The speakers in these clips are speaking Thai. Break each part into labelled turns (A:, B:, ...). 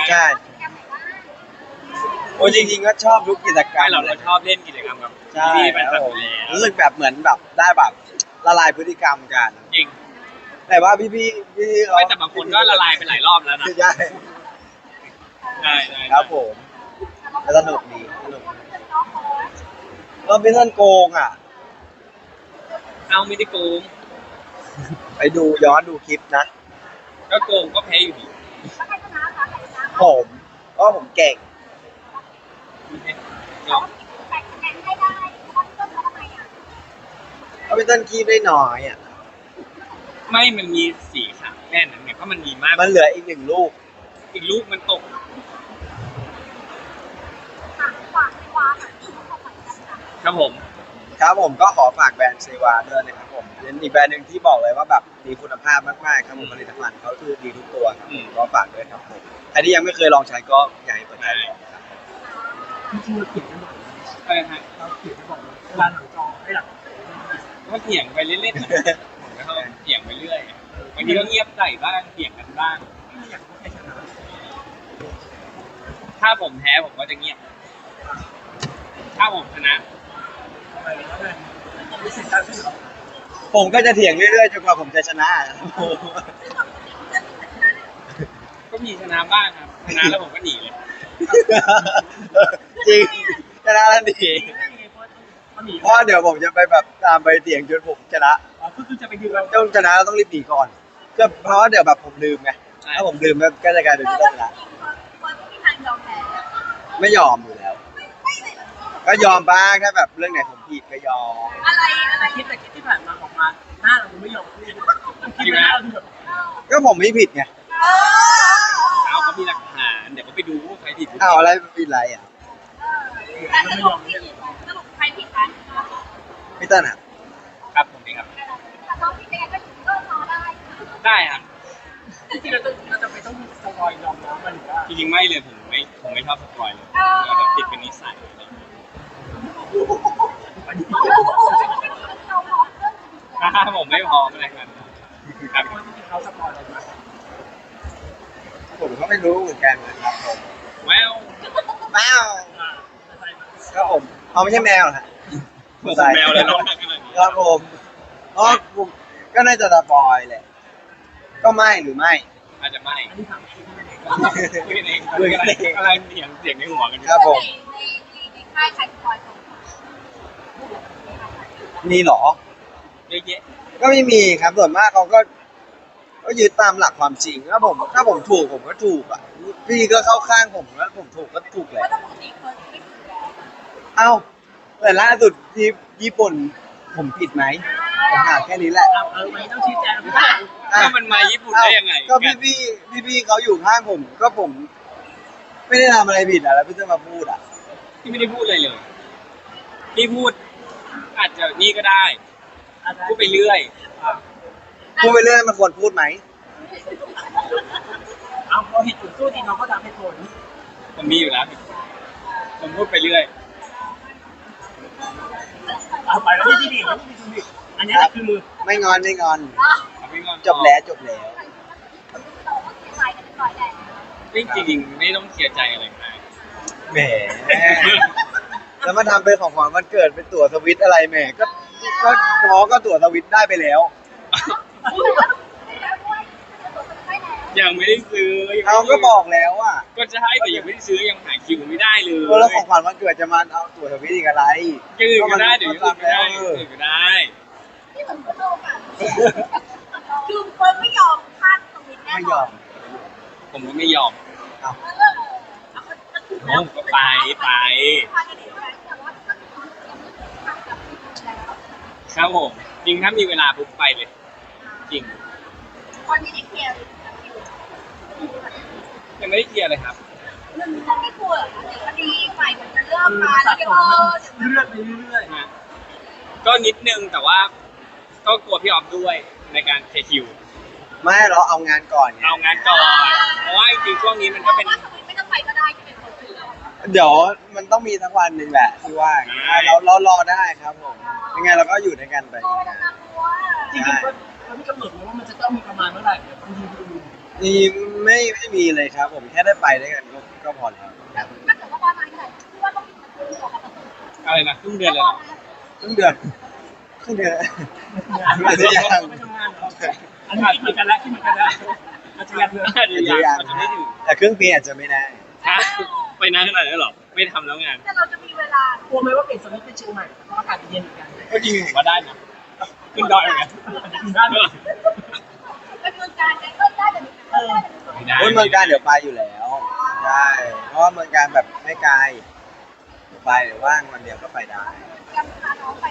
A: ใช่โอ้จริงๆก็ชอบทุกกิจกรรม
B: เราชอบเล่นกิจกรรมกับ
A: ใช่
B: พี่ๆแฟน
A: ค
B: ค
A: รั
B: ลั
A: บบ
B: อ
A: ผม
B: ยู่แล้ว
A: รู้สึกแบบเหมือนแบบได้แบบละลายพฤติกรรมกัน
B: จริง
A: แต่ว่าพี่เขา
B: ไม่แต่บางคนก็ละลายไปหลายรอบแล้วนะ
A: ใช่
B: ได้
A: ครับผมแล้วสนุกดีสนุกเราเป็นคนโกงอ่ะ
B: เอาไม่ได้โกง
A: ไปดูย้อนดูคลิปนะ
B: ก็โกงก็แพ้อยู่ดี
A: ผมเพราะผมเก่งเขาเป็นต้นคีบได้น้อยอ่ะ
B: ไม่มันมีสี่ขาแค่นั้นไงเพราะมันมีมาก
A: มันเหลืออีก1 ลูก
B: อีกลูกมันตกครับผม
A: ครับผมก็ขอฝากแบรนด์เซวาด้วยนะครับผมเป็นอีกแบรนด์หนึ่งที่บอกเลยว่าแบบมีคุณภาพมากๆครับผมผลิตภัณฑ์เขาคือดีทุกตัวครับผมก็ฝากด้วยครับผมใครที่ยังไม่เคยลองใช้ก็อยากให้เปิดใจลองครับ
C: จริงๆเราเขียนกันบ่อย
B: อะไรฮะ
C: เราเขียนกันบ่อยเวลาหลังจอให้หลัง
B: ก็เถียงไปเล่นๆนะผมก็เถียงไปเรื่อยบางทีก็เงียบใส่บ้างเถียงกันบ้าง
C: ไม่อยากรู้ใครชนะ
B: ถ้าผมแพ้ผมก็จะเงียบถ้าผมชนะ
C: อะไรแล้วไงไม่เสร็จการขึ้นหรอ
A: ผมก็จะเถียงเรื่อยๆจนกว่าผมจะชนะ
B: ก็มีชนะบ้างครับชนะแล้วผมก็หนีเลย
A: จริงชนะแล้วดีเพราะเดี๋ยวผมจะไปแบบตามไปเถียงจนผมชนะ
C: ก็คือจะไปยืนเรา
A: ต้องชนะเราต้องรีบหนีก่อนก็เพราะเดี๋ยวแบบผมลืมไงถ้าผมลืมก็จะกลายเป็นผู้ชนะไม่ยอมอยู่แล้วก็ยอมบ้างถ้าแบบเรื่องไหนผมผิดก็ยอม
C: อะไรคิดแต่คิดที่ผ่านมาออกมาหน้าเราไม่ยอมพูดคิดหน้าเราแบบ
A: ก็ผมไม่ผิดไง
B: เอาเขามีหลักฐานเดี๋ยวเขาไปดูว่าใครผิด
A: เอาอะไรผิดอะไรอ่ะ
C: ไม่ยอมเนี่ย
A: พี่ต้นอ่ะ
B: ครับผมเองครับได้ครับ
C: จริงๆเราจะไปต้องสปอยยอมน้องมันหรือว่า
B: จริงๆไม่เลยผมไม่ชอบสปอยเลยเราแบบติดเป็นนิสัยอะไรอย่างเงี้ยผมไม่พร้อมอะไรกันครับ
C: เขาสปอยอะไรมา
A: ผมก็ไม่รู้เหมือนกันนะครับผม
B: แวว
A: แมวก็ผมเขาไม่ใช่แมวนะ
B: แมวเลยน้อง
A: ครับผมอ๋อผมก็น่าจะสปอยแหละก็ไม่หรือไม่
B: อาจจะไม่
C: อันนี้ถามคิดไม่ได้
B: คุยกันเองอะไรเสียงในหัวกัน
A: ครับผมมีหรอ
B: เยอะแยะ
A: ก็ไม่มีครับส่วนมากเขาก็ยึดตามหลักความจริงถ้าผมถูกผมก็ถูกอ่ะพี่ก็เข้าข้างผมแล้วผมถูกก็ถูกแหละเอ้าแต่ล่าสุดที่ญี่ปุ่นผมผิดไหมผมถามแค่นี้แหละ
C: ไม่ต้องชี้แจง
B: ถ้ามันมาญี่ปุ่นได้ยังไง
A: ก็พี่เขาอยู่ข้างผมก็ผมไม่ได้ทำอะไรผิดอ่ะแล้วพี่จะมาพูดอ่ะ
B: พี่ไม่ได้พูดอะไรเลยพี่พูดอาจจะนี่ก็ได้พูดไปเรื่อย
A: พูดไปเรื่อยมันควรพูดไหม
C: เอาพอเหตุผลสู้ดีน้องก็ทำให้ผล
B: ผมมีอยู่แล้วผมพูดไปเรื่อย
C: เอาไปแล้วที่ดีอันนี้คือ
A: ไม่งอนจบแล้ว
B: จริงๆไม่ต้องเสียใจอะไรมาก
A: แหมแล้วมาทำเป็นของขวัญวันเกิดเป็นตั๋วสวิตอะไรแหมก็น้องก็ตั๋วสวิตได้ไปแล้ว
B: ยังไม่ได้ซื้อ
A: เขาก็บอกแล้วอ่ะ
B: ก็จะให้แต่ยังไม่ได้ซื้อยังหาคิวไม่ได้เลย
A: แล้วของขวัญวันเกิดจะมาเอาตั๋วสวิตอีกอะไร
B: ยืดก็ได้เดี๋ยวยืดก็ได้ก็ได้
D: คือคนไม่ยอมพลาดตรงนี้แน่นอน
B: ผมก็ไม่ยอม
D: โอ้
B: ก็ไปครับผมจริงถ้ามีเวลาปุ๊บไปเลยจริง
D: ตอนนี้ได้เคลียร์
B: ยังไม่ได้เคลียร์เลยครับ
D: มันไม่กลัวเดี๋ยวคดีใหม่มันจะเริ่มมาแล้ว
C: เลื่อนไปเรื่อย
B: ๆนะก็นิดนึงแต่ว่าก็กลัวพี่ออฟด้วยในการเคคิว
A: ไม่เราเอางานก่อน
B: เอางานก่อนเพราะว่าจริงๆช่วงนี้มันก็เป็น
D: ไม่ต้องไปก็ได้จะเป็นคน
A: เดี๋ยวมันต้องมีทั้งวันหนึ่งแหละที่ว่าเรารอได้ครับผมยังไงเราก็อยู่ด้วยกันไป
C: จริงๆเขาไม่กำหนดว่ามันจะต้องมีประมาณเมื่อไหร่
A: นี่ไม่มีเลยครับ ผมแค่ได้ไปด้วยกันก็พอแล้วครับ
D: ถ้าเกิดว่าประมาณเท่าไหร่ที่ว่าต้องมีมันคือของมัน
B: อะไรนะครึ่งเดือนเลยเหรอ
A: ครึ่งเดือนครึ่งเดือน อาจจะยัง
C: ไม่ทำงานเหรออันนี้คิดเหมือนกันแล้วคิดเหมือนกันแล้วอาจจะยังเลย
B: อาจจะยังอาจจะไม่ถึง
A: แต่ครึ่งปีอาจจะไม่ได้
B: ฮะไปนานขนาดนั้นเหรอไม่ทำแล้วงาน
D: แต่เราจะมีเวลาก
C: ลัวไหมว่าเปลี่ยนสวิตช์เป็นเชียงใหม่เพราะอากาศเย็นเหมือนกัน
B: ก็จริงผมว่าได้นะขึ้นดอยเหมือนกัน
C: ได้ไหม
D: เป็นเมืองการไงก็ได้แต่ไม่ได้
B: ไม่ได้
A: โอ้ยเมืองการเดี๋ยวไปอยู่แล้วใช่เพราะว่าเมืองการแบบไม่ไกลเดี๋ยวไปเดี๋ยวว่างวันเดียวก็ไปได้
D: ยังพาน้องไป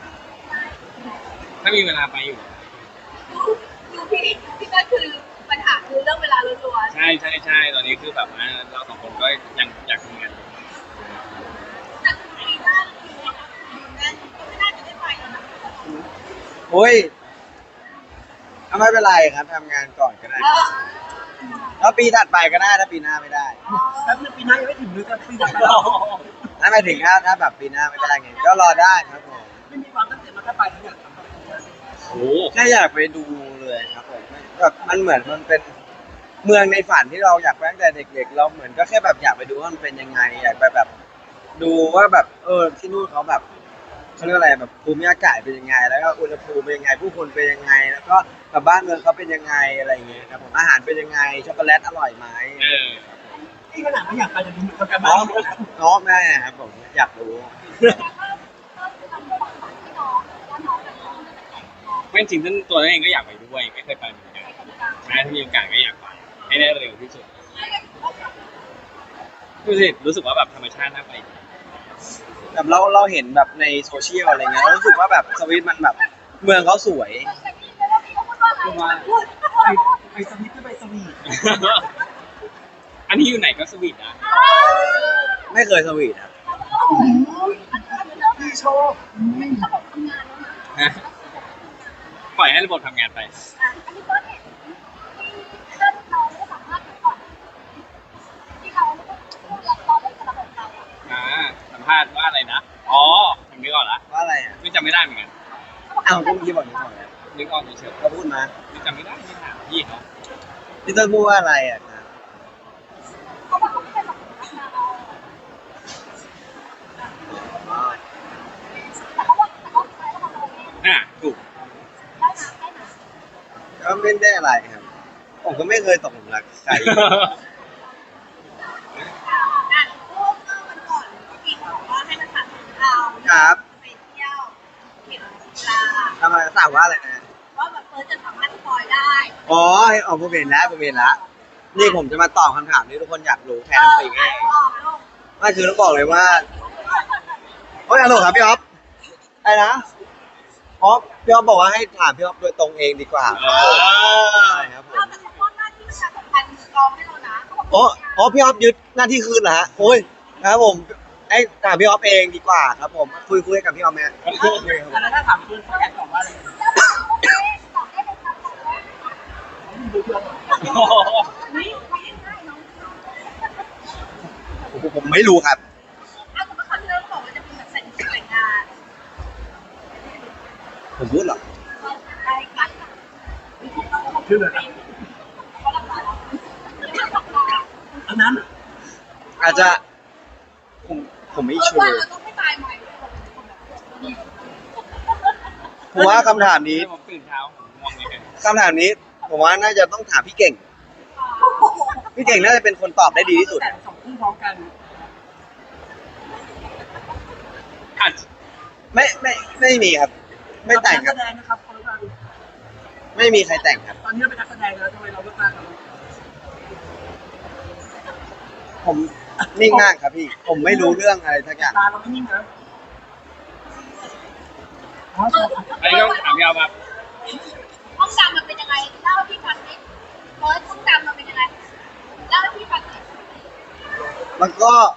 B: ถ้ามีเวลาไปอยู่
D: ดูพี่ก็คือปัญหาคือเรื่องเวลาล้วน
B: ใช่ใช่ใช่ตอนนี้คือแบบว่าเราสองคนก็ยังอยากทำงานอยู่
D: ๆแต่ปีหน้าคือนั่นก็ไม่น่าจะได้ไปแล้วนะ
A: โอ้ยไม่เป็นไรครับทำงานก่อนก็ได้แล้วปีถัดไปก็ได้ถ้าปีหน้าไม่ได้
C: แป๊บนึงปีหน้ายังไม่ถึงเลยแต่ปีหน้า
A: ถ้าไม่ถึงถ้าแบบปีหน้าไม่ได้ไงก็รอได้ครับผม
C: ไม่มีความตั้งใจมาแค่ไปแล้วอยากทำแบบนี้
B: โอ้โห
A: แค่อยากไปดูเลยครับผมแบบมันเหมือนมันเป็นเมืองในฝันที่เราอยากไปตั้งแต่เด็กๆเราเหมือนก็แค่แบบอยากไปดูว่ามันเป็นยังไงอยากไปแบบ ดูว่าแบบที่นู่นเขาแบบเขาเรียกอะไรแบบภูมิอากาศเป็นยังไง แล้วก็อุณหภูมิเป็นยังไงผู้คนเป็นยังไง แล้วก็แบบบ้านเมืองเขาเป็นยังไงอะไรอย่างเงี้ยครับผมอาหารเป็นยังไงช็อกโกแลตอร่อยไหม
B: เออ
C: ที่ขนาดไม่อยากไปจะดูเหมือนกัน
A: น้
C: บ้า
A: อง
C: ง
A: น้องแม่ครับผมอยากรู้
B: ไม่จริงๆตัวนั้นเองก็อยากไปด้วยไม่เคยไปเหมือนกันใช่ถ้ามีโอกาสก็อยากไปให้ได้เร็วที่สุดรู้สึกว่าแบบธรรมชาติน่าไป
A: แบบเราเห็นแบบในโซเชียลอะไรเงี้ยเรารู้สึกว่าแบบสวิตมันแบบเมืองเขาสวย
C: ไปสวิตก็ไปสวีท
B: อันนี้อยู่ไหนก็สวีทนะ
A: ไม่เคยสวีทครับ
C: พี่ชอบ
B: ฮะปล่อยให้ระบบทำงานไป สัมภาษณ์ว่าอะไรนะ อ๋อจำนึกออกละ
A: ว่าอะไรอ่ะ
B: ไม่จำไม่ได้เหมือนกัน
A: อ้าวก็เมื่อกี้บอกนี่ก่อนแล้ว
B: นึกออกเฉย
A: เขาพูดมา
B: ๆไม่จำไม่ได้ไม่ถามพี่เขา
A: พี่เต้ยพูดว่าอะไรอ่ะครับอ๋อ
B: ถูก
A: ก็ไม่ได้อะไรครับ ผมก็ไม่เคยตกหลุมรักใคร ครับ
D: ไปเที่ยวเห็นลา
A: ทำไมถามว่าอะไรนะ
D: ว่าแบบเฟิร์สจะสามารถสปอยได้
A: อ๋อผมเห็นแล้วผมเห็นแล้วนี่ผมจะมาตอบคำถามที่ทุกคนอยากรู้แทนตัวเองเองไม่คือต้องบอกเลยว่าโอ้ยฮัลโหลครับพี่อ๊อฟอะไรนะอ๋อพี่อ๊อฟบอกว่าให้ถามพี่อ๊อฟโดยตรงเองดีกว่าใช่ครับผม
D: เราแต่เขามอบหน้าที่ประชาสัมพันธ์กองให้เรานะเขาบอก
A: อ๋อพี่อ๊อฟยึดหน้าที่คืนเหรอฮะโอ้ยนะครับผมไอ้ถามพี่อ๊อฟเองดีกว่าครับผมคุยกับพี่อ๊อฟไหม
C: แล้วถ้าถามคุณเขาอยากตอบว่าอะไร
D: โอเคตอบได้เลยครับตอบได้
C: ดูเพื่อน
D: ไม่ง่ายน้อง
A: ผมไม่รู้ครับ
D: เอาแต่ว่าครั้งที่แล้วบอกว่าจะเป็นแบบแต่งงาน
A: ผมพูดเหรอ
D: ได้กัน
C: คือแบบ
D: เขาราคาแล้ว
C: อันนั้น
A: อาจจะผมไม่ชัว
D: ว่า
A: ร์
D: เราต้องไม่ตายใหม่
A: ผมว่าคำถามนี้
B: ผมตื่นเช้าผมง่วงเลย
A: คำถามนี้ผมว่าน่าจะต้องถามพี่เก่ง พี่เก่งน่าจะเป็นคนตอบได้ดีที่สุด
C: แต่สองคู่พร้อมกัน
B: อาจ
A: ไม่มีครับ ไม่แต่งค
C: นั
A: รั
C: ก
A: บ
C: แสดงนะครับคนละกัน
A: ไม่มีใครแต่งครับ
C: ตอนนี้เราเป็นนักแสดงแล้วทำไมเราเลือกมาครับ
A: ผมนิ่งมากครับพี่ ผมไม่รู้เรื่องอะไรสักอย่าง
C: ตาเราไม่นิ่งนะ
B: อันนี้ต้องถามพี่เอาครับ
D: ห้องดำมันเป็นยังไงเล่าให้พี่ฟังดิเฟิร์สห้องดำมันเป็นยังไงเล่าให้พี่ฟังดิ
A: มัน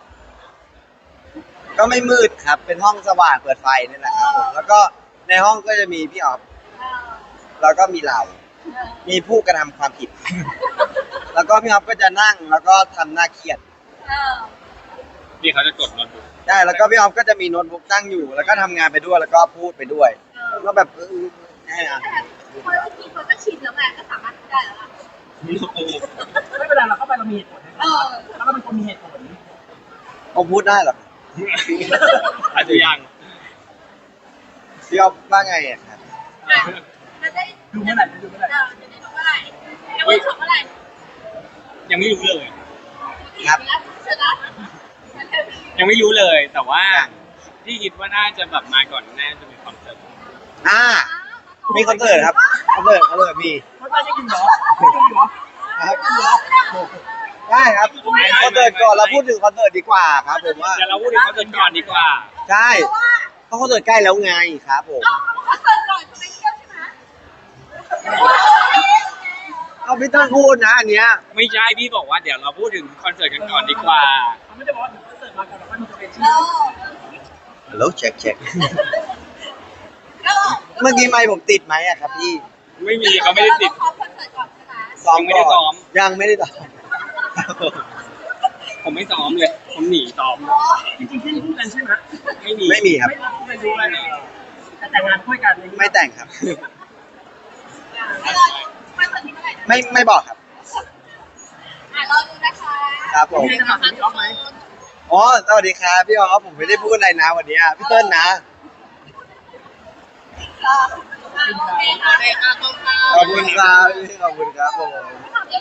A: ก็ไม่มืดครับ เป็นห้องสว่างเปิดไฟนี่แหละครับผมแล้วก็ในห้องก็จะมีพี่ออฟ
D: เออ
A: แล้วก็มีเรา มีผู้กระทำความผิด แล้วก็พี่ออฟก็จะนั่งแล้วก็ทำหน้าเครียด
D: เออ
B: พี่เขาจะกดโน้ตบุ๊ก
A: ได้แล้วก็พี่ออฟก็จะมีโน้ตบุ๊กตั้งอยู่ แล้วก็ทำงานไปด้วยแล้วก็พูดไปด้วยก็แบบใช่อะ
D: แต่เฟิร์สก็ชินแล้วไงก็สามารถได้แล้วล่ะ
C: ไม่ลาเราเข้าไปเรามีเหตุผลนะแล้วก็เป็นคนมีเหตุผล
A: ผมพูดได้เหรอ
B: อาจจะยัง
A: พี่อ๊อฟว่าไงอ่ะครับ
D: จะได้
C: ดูเมื่อไหร่ดูเมื่อไหร่
D: จะได้ดูเมื่อไหร่จะได้ชมเมื่อไหร่
B: ยังไม่รู้เลย
A: ครับ
D: เสร็จแล้ว
B: ยังไม่รู้เลย แต่ว่า
A: ยัง
B: ที่คิดว่าน่าจะแบบมาก่อนน่าจะเป็นคอนเสิร์ต
A: มีคอนเสิร์ตครับคอนเสิร์ตมี
C: เขาจะกินเหรอไม่กินเหรอ
A: ครับได้ครับคอนเสิร์ตก่อนเราพูดถึงคอนเสิร์ตดีกว่าครับผมว่า
B: เดี๋ยวเราพูดถึงคอนเสิร์ตก่อนดีกว่า
A: ใช่เพราะคอนเสิร์ตใกล้แล้วไงครับผม
D: คอนเสิร์ตก่อนจะไปเที่ยวใช่ไหม
A: เอาพี่ต้นพูดนะอันเนี้ย
B: ไม่ใช่พี่บอกว่าเดี๋ยวเราพูดถึงคอนเสิร์ตกันก่อนดีกว่า
C: เขาไม่ได้บอกว่าคอนเสิร์ตมาก่อนแล้วมันจะเป็นชื่
D: เอ
C: อ
D: อ
A: ฮัลโหลเช็ค
D: ก็
A: เมื่อกี้ไมค์ผมติดไหมอะครับพี่
B: ไม่มีเขาไม่ได้ติด
D: คอนเสิร์ตก่อนใช่ไหม
A: ซ้อม
B: ยังไม่ได้
A: ก่
B: ซ้
A: อ
B: อน ม
A: ยังไม่ได้ซ้อม
B: ผมไม่ซ้อมเลย ผมหนีซ้อม
C: จริงๆที่พูดกันใช่ไหม
B: ไม่มี
A: ไม่มีครับ
C: ไม่รู้ไม่รู้อะไรแต่งงานคุยกัน
A: ไม่แต่งครับ
D: คอนเสิร์ตที่เมื่อไหร่นะ
A: ไม่บอกครับ
D: รอดูนะคะ
A: ครับผม
C: พี่จะถามพี่อ๊อฟไหม
A: อ๋อสวัสดีครับพี่อ๋อผมไม่ได้พูดอะไรนะวันนี้พี่เติ้ลนะ
D: โอเคค่ะ
A: ขอบคุณครับขอบคุณครับผม
D: ไม่ถามเยอะ